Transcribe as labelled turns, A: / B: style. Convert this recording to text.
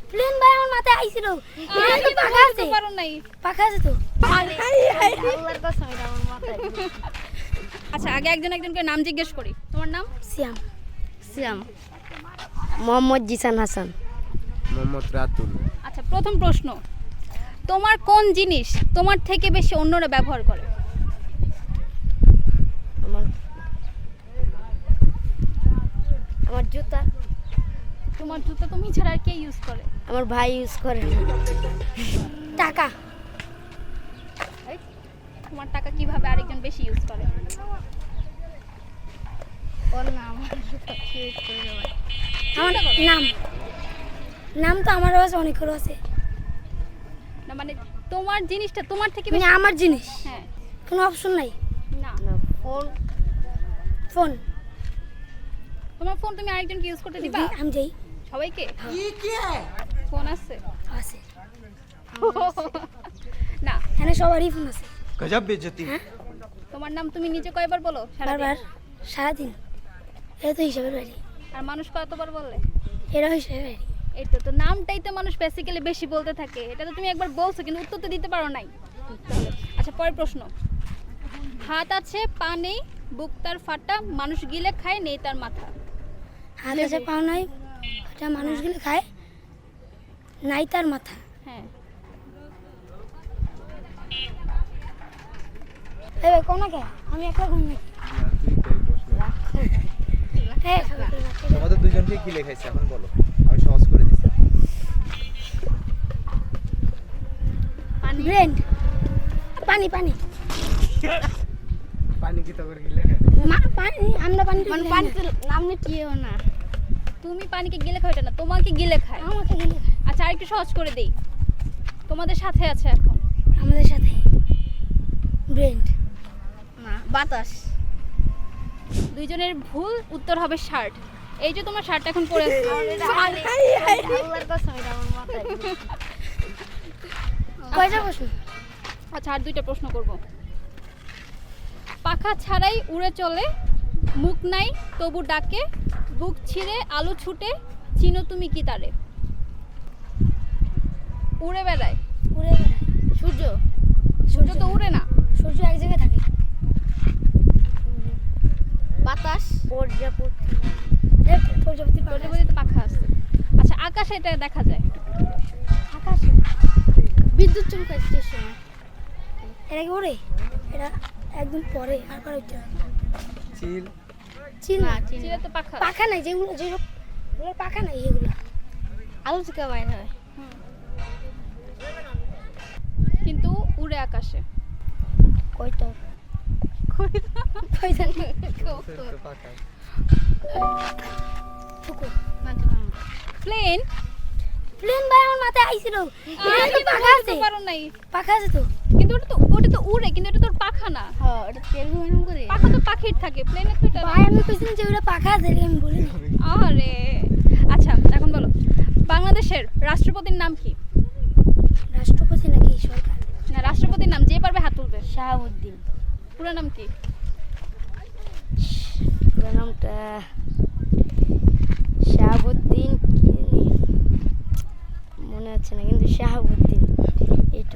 A: Plane ভাই আমার মাথায় আইছিল এটা তো পাখা আছে
B: পারো নাই।
A: পাখা আছে তো
C: আল্লাহর কসম এটা আমার মাথায়।
B: আচ্ছা আগে একজন একজনকে নাম জিজ্ঞেস করি। তোমার নাম?
A: সিয়াম
C: সিয়াম মোহাম্মদ জিসান হাসান
D: মোহাম্মদ রাতুল।
B: আচ্ছা প্রথম প্রশ্ন, তোমার কোন জিনিস তোমার থেকে বেশি অন্যরা ব্যবহার করে?
C: আমার আমার জুতা
B: তোমার জুতো তুমি ছাড়া আর কে ইউজ করে?
C: আমার ভাই ইউজ করে।
A: টাকা
B: তোমার টাকা কিভাবে আরেকজন বেশি ইউজ করে?
C: ওর নাম ইউজ করে দেওয়া।
A: আমার নাম নাম তো আমারও আছে অনেকেরও আছে
B: না মানে তোমার জিনিসটা তোমার থেকে
A: মানে
B: বেশি।
A: আমার জিনিস
B: হ্যাঁ
A: কোনো অপশন নাই
B: না,
C: না ফোন
A: ফোন
B: তোমার ফোন তুমি আরেকজনকে ইউজ করতে দিবা?
A: আমি যাই
B: সবাইকে ফোন আছে?
A: আছে
B: না,
A: এখানে সবারই ফোন আছে
D: গজব বেজতি।
B: তোমার নাম তুমি নিজে কয়বার বলো সারাদিন?
A: বারবার সারাদিন এটা তো হিসাবের বাড়ি
B: আর মানুষ কতবার বললে?
A: এটা হিসাবের বাড়ি
B: এই তো নামটাই তো মানুষ বেসিক্যালি বেশি বলতে থাকে। এটা তো তুমি একবার বলছো কিন্তু উত্তর তো দিতে পারো নাই। আচ্ছা পরের প্রশ্ন, হাত আছে পা নেই, বুক তার ফাটা, মানুষ গিলে খায় নেই তার মাথা।
A: হাত আছে পাও নাই এটা মানুষগুলো খায় নাই তার মাথা
B: হ্যাঁ
A: এই ভাই কোন কে আমি একলা ঘুম নাকি হ্যাঁ
D: তোমাদের দুইজনকে কি লেখাইছে এখন বলো, আমি সহজ করে দিচ্ছি।
B: পানি।
A: ব্রেন্ড পানি পানি
D: পানি কি তোর কি লেখা?
A: পানি আমরা পানি
C: মানে
A: পানি
C: পানিতে নাম নিটিও না।
B: তুমি পানিকে গিলে খাও, এটা না তোমাকে গিলে খায়।
A: আমাকে গেলে
B: আচ্ছা আরেকটু সহজ করে দেই, তোমাদের সাথে আছে এখন।
A: আমাদের সাথে ব্রেন্ড
C: না বাতাস।
B: দুইজনের ভুল, উত্তর হবে শার্ট। এই যে তোমার শার্ট এখন পরে আছে।
C: আল্লাহর কসম এটা আমার মাথায়।
A: কয়টা প্রশ্ন
B: আচ্ছা আর দুইটা প্রশ্ন করব। পাখা ছাড়াই উড়ে চলে, মুখ নাই তবু ডাকে, বুক ছিঁড়ে আলু ছুটে, চিনো তুমি কি তারে? উড়ে বেড়ায়।
A: উড়ে বেড়ায়
C: সূর্য
B: সূর্য তো উড়ে না।
A: সূর্য এক জায়গায় থাকে
C: বাতাস প্রজাপতি
A: প্রজাপতি
B: প্রজাপতিতে পাখা আছে। আচ্ছা আকাশে এটা দেখা যায়।
A: আকাশে
C: বিদ্যুৎ চমকায় স্টেশন।
A: এটা কি ওরে এটা একদম পরে আর পরে ওইটা
D: চিল।
A: চিল
C: না
A: না
C: চিনি
B: চিলে তো পাখা।
A: পাখা নাই যেগুলো যেসব ওগুলোর পাখা নাই এগুলো
C: আলো থেকে বাইর হয়।
B: কিন্তু উড়ে আকাশে।
C: কয়টা
A: কয়টা
D: পাকা।
A: ফুকুর
B: প্লেন।
A: প্লেন ভাই আমার মাথায় আইছিল এটা তো পাখা আছে
B: পারো নাই।
A: পাখা আছে তো
B: কিন্তু ওটা তো উড়ে, কিন্তু এটা তোর পাখা না।
C: হ্যাঁ এটা তেল গরম করে।
B: পাখা তো পাখির থাকে, প্লেনের তো এটা না।
A: ভাই আমি কইছিলাম যে ওটা পাখা আছে এটা আমি বলিনি
B: আরে আচ্ছা এখন বলো, বাংলাদেশের রাষ্ট্রপতির নাম কি?
A: রাষ্ট্রপতি নাকি সরকার
B: না রাষ্ট্রপতির নাম যে পারবে হাত তুলবে।
C: শাহাবুদ্দিন।
B: পুরো নাম কি?
C: পুরো নামটা শাহাবুদ্দিন কি জানি মনে আছে না কিন্তু শাহাবুদ্দিন।